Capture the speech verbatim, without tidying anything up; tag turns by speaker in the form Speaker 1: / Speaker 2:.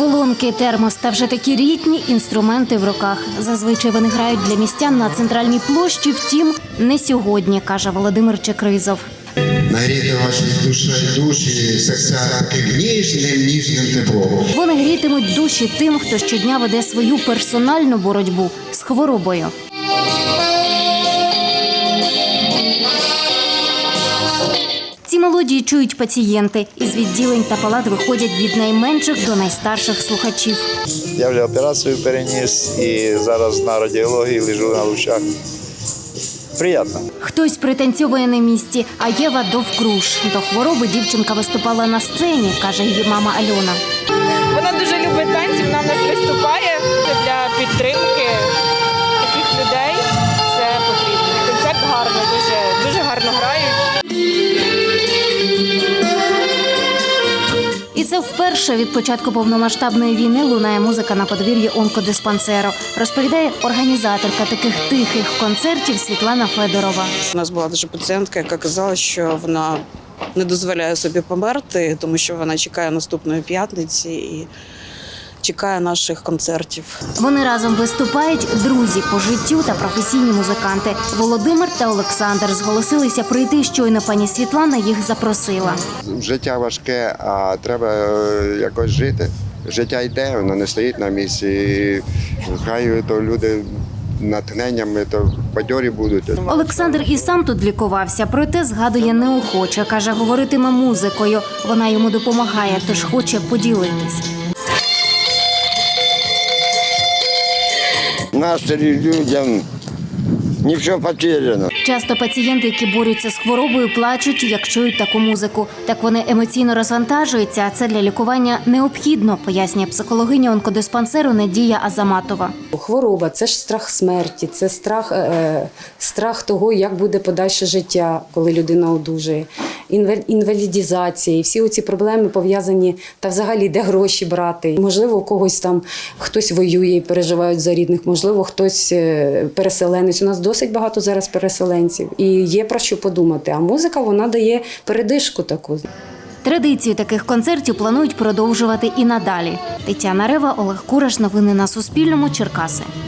Speaker 1: Колонки, термос та вже такі рідні інструменти в руках. Зазвичай вони грають для містян на центральній площі, втім, не сьогодні, каже Володимир Чекризов.
Speaker 2: Нагріти ваші душі, душі, серця таким ніжним, ніжним теплом.
Speaker 1: Вони грітимуть душі тим, хто щодня веде свою персональну боротьбу з хворобою. Ці мелодії чують пацієнти. Із відділень та палат виходять від найменших до найстарших слухачів.
Speaker 3: Я вже операцію переніс і зараз на радіології лежу на лучах. Приємно.
Speaker 1: Хтось пританцьовує на місці, а Єва довкруж. До хвороби дівчинка виступала на сцені, каже її мама Альона.
Speaker 4: Вона дуже любить танці, вона в нас виступає для підтримки таких людей. Це потрібно. Концерт гарно, дуже, дуже гарно грають.
Speaker 1: І це вперше від початку повномасштабної війни лунає музика на подвір'ї онкодиспансеру, розповідає організаторка таких тихих концертів Світлана Федорова.
Speaker 5: У нас була дуже пацієнтка, яка казала, що вона не дозволяє собі померти, тому що вона чекає наступної п'ятниці і чекає наших концертів.
Speaker 1: Вони разом виступають друзі по життю та професійні музиканти. Володимир та Олександр зголосилися прийти, щойно пані Світлана їх запросила.
Speaker 2: Життя важке, а треба якось жити. Життя йде, воно не стоїть на місці. Хай то люди натхненнями, то бадьорі будуть.
Speaker 1: Олександр і сам тут лікувався, проте згадує неохоче. Каже, говоритиме музикою. Вона йому допомагає, тож хоче поділитись.
Speaker 6: Настрій людям, нічого потеряно.
Speaker 1: Часто пацієнти, які борються з хворобою, плачуть, як чують таку музику. Так вони емоційно розвантажуються, а це для лікування необхідно, пояснює психологиня онкодиспансеру Надія Азаматова.
Speaker 7: Хвороба – це ж страх смерті, це страх, е, страх того, як буде подальше життя, коли людина одужає, інвалідізація. І всі оці проблеми пов'язані, та взагалі де гроші брати. Можливо, у когось там хтось воює і переживають за рідних, можливо, хтось переселенець. У нас досить багато зараз переселенців і є про що подумати. А музика, вона дає передишку таку.
Speaker 1: Традицію таких концертів планують продовжувати і надалі. Тетяна Рева, Олег Кураш. Новини на Суспільному. Черкаси.